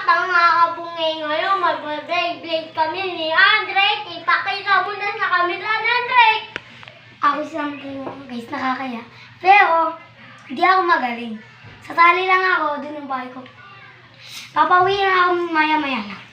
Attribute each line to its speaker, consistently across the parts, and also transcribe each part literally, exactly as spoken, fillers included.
Speaker 1: bata nga kabungay ngayon, mag-break kami ni Andre. Ipakita mo na sa camera ni Andre.
Speaker 2: Ako isang guys, nakakaya. Pero, hindi ako magaling. Sasali lang ako, dun ang bahay ko. Papauwi na ako maya-maya lang.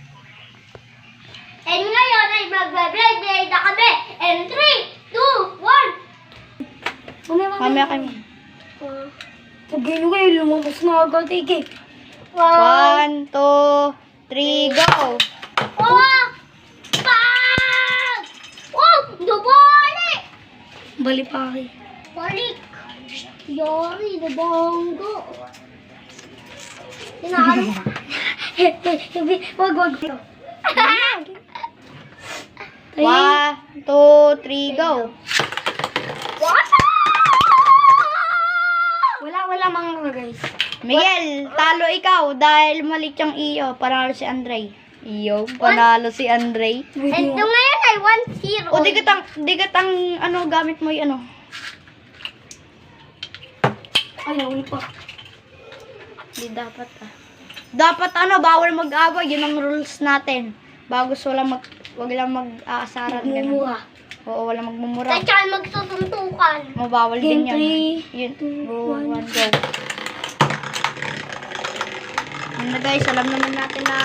Speaker 1: And ngayon ay mag-break na kami. And three, two, one.
Speaker 3: Mamaya kami.
Speaker 2: Pagay nyo kayo, lumabas na agad, Ike.
Speaker 3: One, two, three, go!
Speaker 1: Oh! Pag! Oh! Dubali!
Speaker 2: Bali pa kayo.
Speaker 1: Balik! Yori, nabonggo. Tinalo.
Speaker 2: Wag, wag.
Speaker 3: One, two, three, go!
Speaker 2: Wala, wala mga guys.
Speaker 3: Miguel, talo ikaw dahil mali yung iyo. Panalo si Andre. Iyo, panalo si Andre.
Speaker 1: And ito ngayon ay one zero.
Speaker 3: O, di katang, di katang, ano, gamit mo yung ano.
Speaker 2: Ay, nauli pa.
Speaker 3: Di dapat ah. Dapat ano, bawal mag-away. Yun ang rules natin. Bago wala mag, wag lang mag-aasaran. ganun.
Speaker 2: Mumura.
Speaker 3: Oo, wala magmumura.
Speaker 1: At saka magsusuntukan.
Speaker 3: Mabawal din
Speaker 2: Game
Speaker 3: yan.
Speaker 2: three,
Speaker 3: Yun.
Speaker 2: two,
Speaker 3: Go,
Speaker 2: one.
Speaker 3: one, go. Yun na guys, alam naman natin na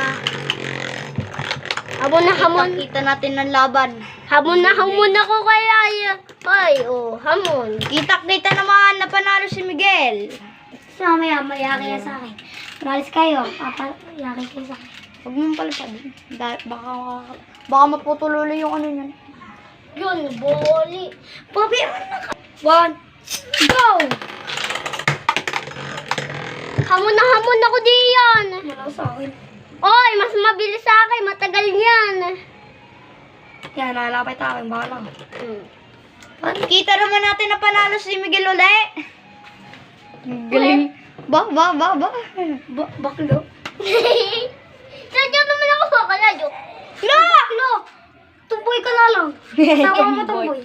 Speaker 1: Hamon na hamon.
Speaker 3: kita natin ng laban.
Speaker 1: Hamon na hamon ako kaya. Ay, oh, hamon.
Speaker 3: Kita-kita naman na panalo si Miguel.
Speaker 2: So, mamaya, mayaki yan sa akin. Malis kayo, papayaki kayo sa akin.
Speaker 3: Huwag mong palipad. Da- baka, baka maputuloy yung ano niyan.
Speaker 1: Yun, boli.
Speaker 2: Pabi, ano na ka? One, go!
Speaker 1: Hamon na hamon ako diyan.
Speaker 2: Malaw sa akin.
Speaker 1: Oy, mas mabilis sa akin. Matagal yan.
Speaker 2: Yan, nalapit akin, baka lang.
Speaker 1: Hmm.
Speaker 3: Kita naman natin na panalo si Miguel uli. Galing. Ba, ba, ba, ba.
Speaker 2: Ba baklo?
Speaker 1: Sadya naman ako kakalado.
Speaker 2: No! Baklo! Tumboy ka na lang. Sama mo tumboy.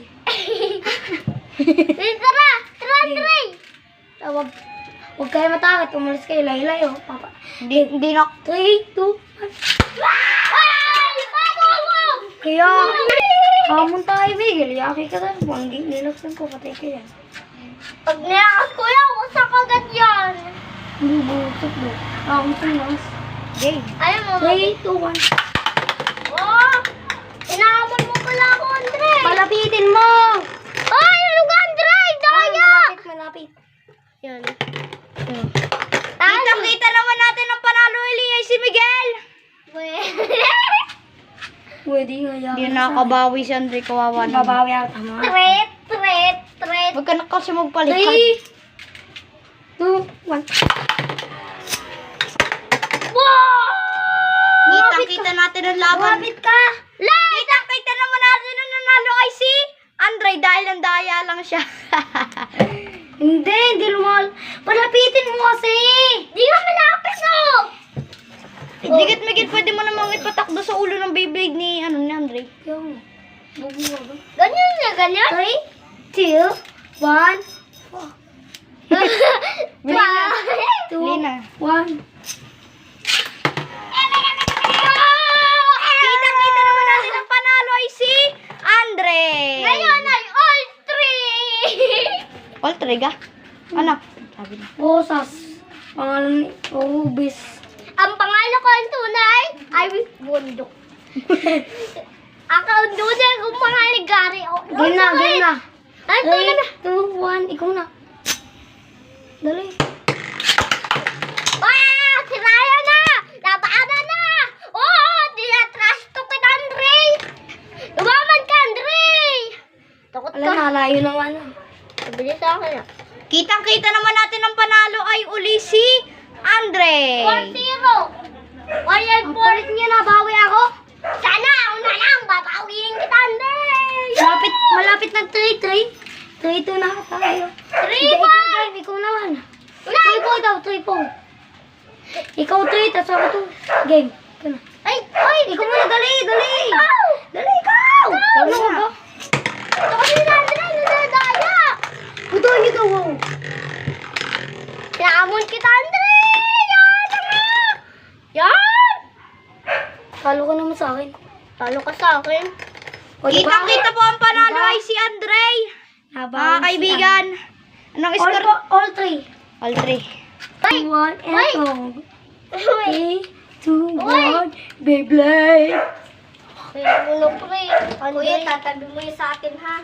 Speaker 1: Eh, tara! Tara, tara!
Speaker 2: Tawag. Huwag kayo matakot, umalis kayo, layo-layo. Papa.
Speaker 3: Hindi, hindi na.
Speaker 2: three, two, one.
Speaker 1: Ay! Paano mo?
Speaker 2: Kaya, hamon tayo, Miguel. Yaki ka na. Mangging nilaksan ko, patay ka yan.
Speaker 1: Pag nilakas ko yan, wasak agad yan.
Speaker 2: Bubusok mo. Ako tumas.
Speaker 3: Game.
Speaker 1: Ayaw mo.
Speaker 2: three, two, one.
Speaker 1: Oh! Inaamon mo pala ako, Andre.
Speaker 2: Palapitin mo!
Speaker 1: Ay! Ano ka, Andre? Daya!
Speaker 2: Malapit, malapit.
Speaker 1: Yan.
Speaker 3: Kita-kita naman natin ang panalo uli ay si Miguel.
Speaker 2: Pwede nga yan.
Speaker 3: Hindi na nakabawi si Andre, kawawa naman.
Speaker 2: Babawi ako, tama.
Speaker 1: Tret, tret, tret.
Speaker 3: Huwag ka na kasi magpalipad.
Speaker 2: three, two, one.
Speaker 1: Wow!
Speaker 3: Kita-kita natin ang laban.
Speaker 2: Lumapit ka!
Speaker 3: Kita-kita naman natin ang nanalo ay si Andre dahil ang daya lang siya.
Speaker 2: Hindi, hindi lumal. Palapitin mo kasi!
Speaker 1: Di ka malapit, oh!
Speaker 3: Hindi kat Miguel, pwede mo namang ipatakbo sa ulo ng Beyblade ni, ano, ni Andre.
Speaker 2: Yung, bubuwa ba?
Speaker 1: Ganyan na, ganyan.
Speaker 2: three, two, one.
Speaker 3: Bili na.
Speaker 2: two,
Speaker 3: Bili na.
Speaker 2: one.
Speaker 3: Kita-kita naman natin ang panalo ay si Andre.
Speaker 1: Ngayon ay all three!
Speaker 3: All triga? Ano? Sabi na.
Speaker 2: Bosas. Pangalan ni Obis.
Speaker 1: Ang pangalan ko ang tunay ay Bundok. Ang tunay kong pangalan Gary.
Speaker 2: Game na, game na.
Speaker 1: Ang tunay
Speaker 2: three,
Speaker 1: na.
Speaker 2: two, one. Ikaw na. Dali.
Speaker 1: Ah! Siraya na! Napaanan na! Oh! Tinatrash to kita, Andre! Lumaman ka, Andre! Takot
Speaker 2: Alam
Speaker 1: ka.
Speaker 2: na, layo naman.
Speaker 1: Sabili sa akin ah.
Speaker 3: Kitang-kita naman natin ang panalo ay uli si Andre.
Speaker 1: four zero! Why
Speaker 2: Ang palit niya, nabawi ako.
Speaker 1: Sana ako na lang! Babawiin kita, Andre!
Speaker 2: Malapit, malapit na three, three. three, two na tayo.
Speaker 1: Three,
Speaker 2: Ikaw,
Speaker 1: four!
Speaker 2: ikaw, ikaw naman. three, four daw, three, four. Ikaw three, tapos ako two. Game. Ikaw na.
Speaker 1: Ay! Ay!
Speaker 2: Ikaw muna, dali, dali.
Speaker 1: Ikaw!
Speaker 2: Dali, ikaw. Ikaw na ba?
Speaker 1: Ito kasi na, Andre! Nadadaya!
Speaker 2: Ito, ikaw, wow.
Speaker 1: Sinamon kita, Andre! Yan! Yan!
Speaker 2: Talo ka naman sa akin.
Speaker 1: Talo ka sa akin.
Speaker 2: O, diba?
Speaker 3: Kitang-kita po ang panalo
Speaker 2: Diba?
Speaker 3: ay si Andre.
Speaker 2: Nabawi
Speaker 3: Mga
Speaker 2: si
Speaker 3: kaibigan. Anong
Speaker 2: Andre. All,
Speaker 3: score?
Speaker 2: po- all three.
Speaker 3: All three.
Speaker 1: Ay!
Speaker 2: One and
Speaker 1: Ay!
Speaker 2: go.
Speaker 1: Uy!
Speaker 2: Three, two,
Speaker 1: Uy!
Speaker 2: one. Beyblade.
Speaker 1: Kuya, ulo pre. Kuya, tatabi mo yun sa akin ha.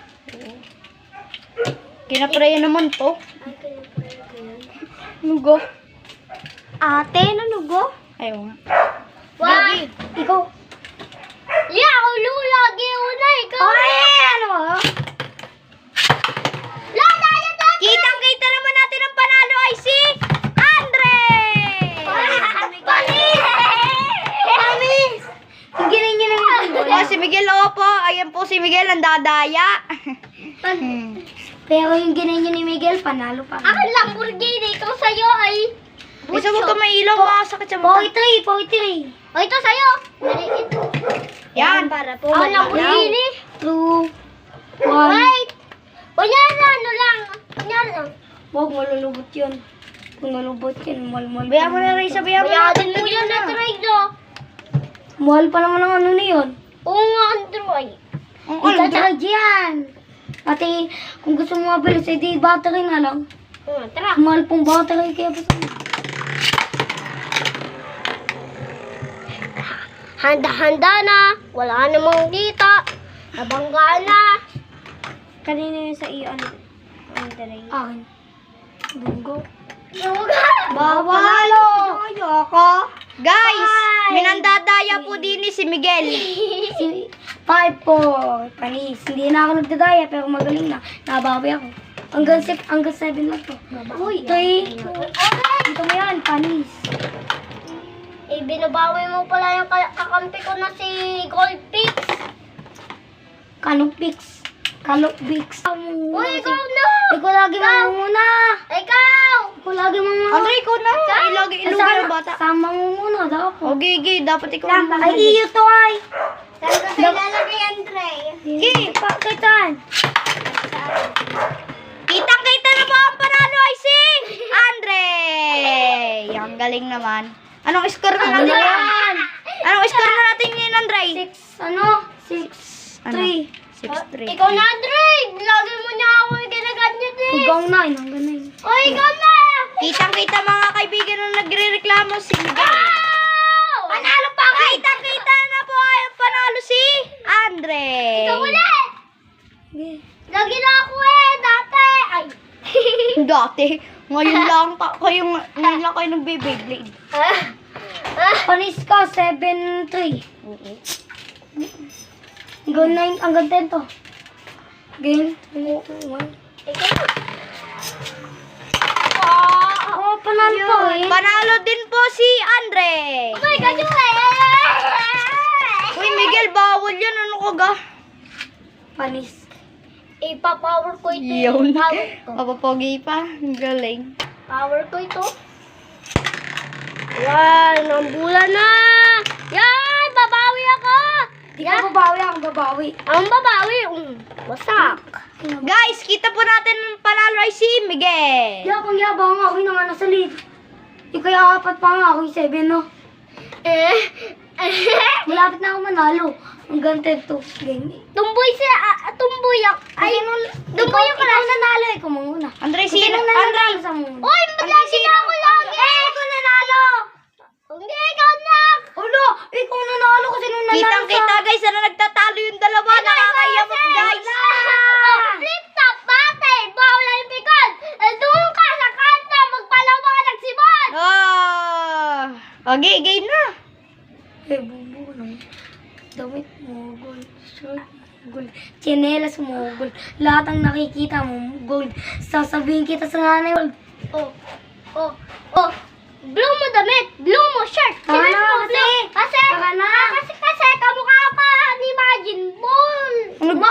Speaker 3: Kinaprayan naman to.
Speaker 1: Ay, kaya pre ko yan.
Speaker 3: Nugo.
Speaker 1: Ate, nanugo?
Speaker 3: Ayaw nga.
Speaker 1: Wag!
Speaker 2: Ikaw.
Speaker 1: Yeah, ulo, lagi una. Ikaw.
Speaker 2: Ay, ano ba?
Speaker 1: Lala, lala,
Speaker 3: Kitang-kita naman natin ang panalo ay si Andre!
Speaker 1: Panis!
Speaker 2: Panis! Yung ginayin niyo naman yung
Speaker 3: Oh, si Miguel, opo. Ayan po si Miguel, ang dadaya. Hmm.
Speaker 2: Pero yung ginayin niyo ni Miguel, panalo pa.
Speaker 1: Akin Lamborghini. Ito sa'yo ay...
Speaker 3: Isa mo ka may ilaw, makasakit sa mata.
Speaker 2: Forty-three, forty-three.
Speaker 1: O, ito sa'yo. Maliit.
Speaker 3: Yan.
Speaker 1: Para po. Akin Lamborghini.
Speaker 2: Two, one.
Speaker 1: Wait. Kunyari, ano lang. Kunyari lang.
Speaker 2: Huwag malulubot yun. Kung malubot yun, mahal-mahal.
Speaker 3: Bayan mo na, Risa. Bayan mo na.
Speaker 1: Bayadin mo yun na trade, no?
Speaker 2: Mahal pa naman ang ano na yun.
Speaker 1: Oo nga, Android.
Speaker 3: Ang
Speaker 2: Ito
Speaker 3: Andre.
Speaker 2: tsaka dyan. Pati, kung gusto mo mabilis, edi battery na lang.
Speaker 1: Oo, tara.
Speaker 2: Mahal pong battery, kaya gusto mo.
Speaker 1: Handa-handa na. Wala namang kita. Nabangga na.
Speaker 2: Kanina yun sa iyo, ano? Andrei. Akin. Bungo.
Speaker 3: Bawal. Ayoko. Guys, minandadaya po din ni si Miguel.
Speaker 2: Si five, four. Panis. Hindi na ako nagdadaya, pero magaling na. Nabawi ako. Hanggang six, hanggang seven lang to. Uy, three. Dito mo yan, panis.
Speaker 1: Eh, binabawi mo pala yung ka- kakampi ko na si Gold Pix.
Speaker 2: Kanong pix. Kalok pix.
Speaker 1: Uy, ikaw na!
Speaker 2: Ikaw lagi mamumuna.
Speaker 1: Ikaw!
Speaker 2: Ikaw lagi mamumuna.
Speaker 3: Andre, ikaw na. Ilagi, ilagi ng bata.
Speaker 2: Sama muna daw ako.
Speaker 3: O, gigi, dapat ikaw ang
Speaker 2: Ay, iyo to ay.
Speaker 1: Saan ko sa'yo lalagay, Andre?
Speaker 2: Sige, pakitan.
Speaker 3: Kitang-kita na po ang panalo ay si Andre. Ang galing naman. Anong score na
Speaker 2: Ano
Speaker 3: natin?
Speaker 2: yan?
Speaker 3: Anong score na natin ngayon, Andre?
Speaker 2: Six, ano? Six,
Speaker 3: Ano?
Speaker 2: three.
Speaker 3: six three.
Speaker 1: Ikaw na, Andre! Lagi mo niya ako ginaganyan eh.
Speaker 2: Huwag nine, hanggang nine.
Speaker 1: O, ikaw na!
Speaker 3: Kitang-kita mga kaibigan na nagre-reklamo si Miguel.
Speaker 1: Ow!
Speaker 3: Panalo pa! Kitang-kita na po ay ang panalo si Andre.
Speaker 1: Ikaw ulit!
Speaker 2: Sige.
Speaker 1: Lagi na ako eh, dati! Ay!
Speaker 3: Dati, ngayon lang ka, kayong, ngayon lang kayo nagbe-Beyblade.
Speaker 1: Ah! Ah!
Speaker 2: Panis ka, seven, three. Hanggang nine, hanggang ten to. Game, three, two, one.
Speaker 1: Ikaw na.
Speaker 2: Oh, panalo pa eh.
Speaker 3: Panalo din po si Andre.
Speaker 1: Okay, ganyan eh!
Speaker 3: Uy, Miguel, bawal yan. Ano ka ga?
Speaker 2: Panis.
Speaker 1: Ipa-power ko ito.
Speaker 3: Yun.
Speaker 1: Power ko.
Speaker 3: Papapogi pa. Ang galing.
Speaker 1: Power ko ito. Yan, ang bulan na! Yan, babawi ako!
Speaker 2: Di ka babawi, ako babawi.
Speaker 1: Ang babawi, um, wasak.
Speaker 3: Guys, kita po natin ang panalo ay si Miguel.
Speaker 2: Yabang yabang ako yung nga nasa lead. Ikaw yung apat pa nga ako yung seven, no?
Speaker 1: Eh,
Speaker 2: Malapit na ako manalo. Hanggang ten to. Game.
Speaker 1: tumboy siya, ah, tumboy ako. Ay, tumboy
Speaker 2: Ikaw,
Speaker 1: ako
Speaker 2: ikaw
Speaker 1: lang.
Speaker 2: nanalo, ikaw muna.
Speaker 3: Andre,
Speaker 2: Kasi
Speaker 3: sino?
Speaker 2: nung
Speaker 3: Andre,
Speaker 2: nanalo sa muna.
Speaker 1: Uy, madlagi na ako lagi!
Speaker 2: Eh, ikaw nanalo!
Speaker 1: Hindi, ikaw na!
Speaker 2: Ulo, ikaw nanalo kasi nung nanalo
Speaker 3: kitang-kita guys, na nagtatalo yung dalawa. Nakakayamot guys.
Speaker 1: Oh, flip top, bate, bawal ang pikon. Eh, doon ka sa kanta, magpalawa ka ng sibon.
Speaker 3: Ah. Okay, game na.
Speaker 2: Eh, bubu naman. Damit mo, gold. Shirt mo, gold. Chinelas mo, gold. Lahat ang nakikita mo, gold. Sasabihin kita sa nanay, gold.
Speaker 1: Oh, oh, oh. Blue mo damit, blue mo shirt.
Speaker 2: Tama
Speaker 1: Sinet
Speaker 2: na,
Speaker 1: mo
Speaker 2: kasi.
Speaker 1: blue. Kasi,
Speaker 2: Tama na.
Speaker 1: ah, kasi, kasi, kamukha pa ni Majin Ball.
Speaker 3: Ano ba?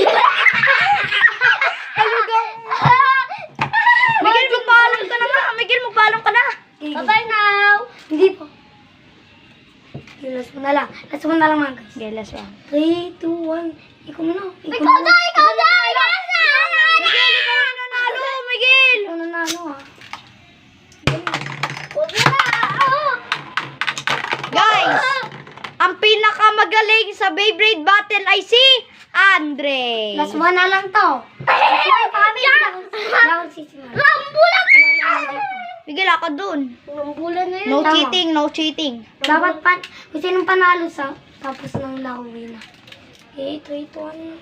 Speaker 3: Miguel, magpaalam ka na nga. Miguel, magpaalam ka na.
Speaker 1: Bye-bye now.
Speaker 2: Hindi po. Yung last mo na lang. Last mo na lang mga guys.
Speaker 3: Okay, last one.
Speaker 2: three, two, one. Ikaw na.
Speaker 1: Ikaw na, ikaw na, ikaw na.
Speaker 3: Miguel, ikaw na nanalo. Miguel.
Speaker 2: Ikaw na na, ano ah.
Speaker 1: Huwag na, oh.
Speaker 3: Guys, ang pinakamagaling sa Beyblade Battle ay si Andre.
Speaker 2: Last one na lang to. Last one, kami. Wala akong sisimula.
Speaker 1: Rambulan!
Speaker 3: Miguel, ako dun.
Speaker 1: Rambulan na yun.
Speaker 3: No
Speaker 2: Tama.
Speaker 3: cheating, no cheating.
Speaker 2: Dapat pan, kung sinong panalo sa, tapos nang lauwi na. eight, wait, one.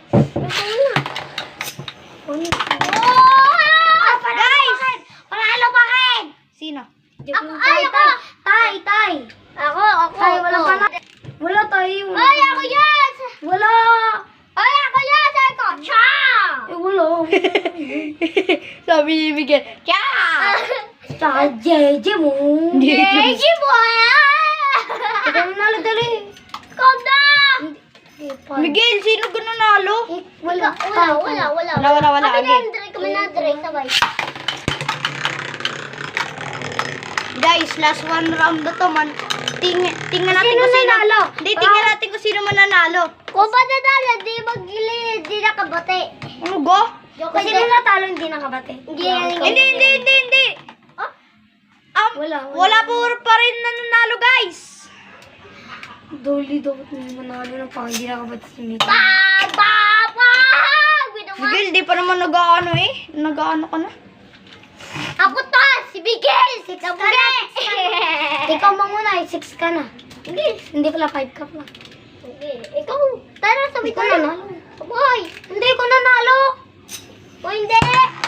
Speaker 2: One,
Speaker 1: Oh!
Speaker 3: Guys!
Speaker 2: panalo pa rin!
Speaker 3: Sino?
Speaker 1: Ako, ay, ako!
Speaker 2: Tay, tay.
Speaker 1: Ako, ako.
Speaker 2: Tay, wala
Speaker 1: ako.
Speaker 2: panalo. Wala tayo.
Speaker 1: Ay, ako yan!
Speaker 2: Wala.
Speaker 1: Ay, ako yan! Sabi ko, Cha!
Speaker 2: Eh, wala.
Speaker 3: Sabi ni Miguel, Kya!
Speaker 2: Tsaka Jeje mo.
Speaker 1: Jeji mo yan!
Speaker 2: Ikaw nanalo dali.
Speaker 1: Calm down!
Speaker 2: Eh, pan-
Speaker 3: Miguel, sino ka nanalo?
Speaker 2: Eh, wala.
Speaker 1: Wala, wala, wala.
Speaker 3: Wala, wala, wala.
Speaker 1: Kami na
Speaker 3: Okay.
Speaker 1: Andre, kami na Andre, sabay.
Speaker 3: Guys, last one round na to man. Ting tingnan natin
Speaker 2: Sino
Speaker 3: kung sino.
Speaker 2: nanalo?
Speaker 3: Hindi, tingnan natin kung sino mananalo.
Speaker 1: Kung ba nadala, di magili, di nakabate.
Speaker 3: Ano go?
Speaker 1: Joke
Speaker 2: Kasi nung natalo, hindi nakabate.
Speaker 1: Hindi,
Speaker 3: Hindi, hindi, hindi, hindi.
Speaker 1: Oh?
Speaker 3: Um,
Speaker 2: Wala,
Speaker 3: wala,
Speaker 2: wala.
Speaker 3: po pa rin nananalo, guys.
Speaker 2: Dolly dapat mo manalo ng pang hindi nakabate si Mika.
Speaker 1: Ba, ba, ba! Ginawa.
Speaker 3: Miguel, di pa naman nag-ano eh. Nag-ano ka na.
Speaker 1: Ako to, si Miguel, si Kabure.
Speaker 2: Ikaw manguna, six ka na.
Speaker 1: Hindi,
Speaker 2: Hindi pala, five ka pala.
Speaker 1: hindi. Ikaw, tara, sabi ko
Speaker 2: Ikaw nanalo.
Speaker 1: Boy,
Speaker 2: Hindi ko nanalo.
Speaker 1: o hindi.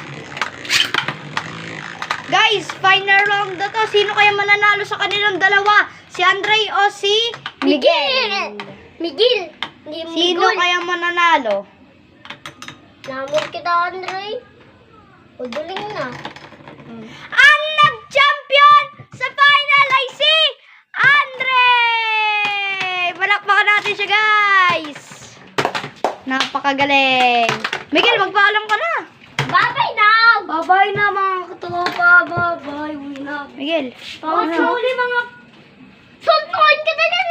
Speaker 3: Guys, final round na to. Sino kaya mananalo sa kanilang dalawa? Si Andre o si
Speaker 1: Miguel. Miguel. Hindi
Speaker 3: Sino
Speaker 1: Miguel.
Speaker 3: kaya mananalo?
Speaker 1: Namon kita, Andre. Uduling na.
Speaker 3: Ang nag-champion sa final ay si Andre! Palakpakan natin siya, guys! Napakagaling. Miguel, magpaalam ka na.
Speaker 1: Bye-bye now.
Speaker 2: Bye-bye na mga katopa. Bye-bye. Uwi na.
Speaker 3: Miguel,
Speaker 2: Oh, sorry mga
Speaker 1: Suntuin kita din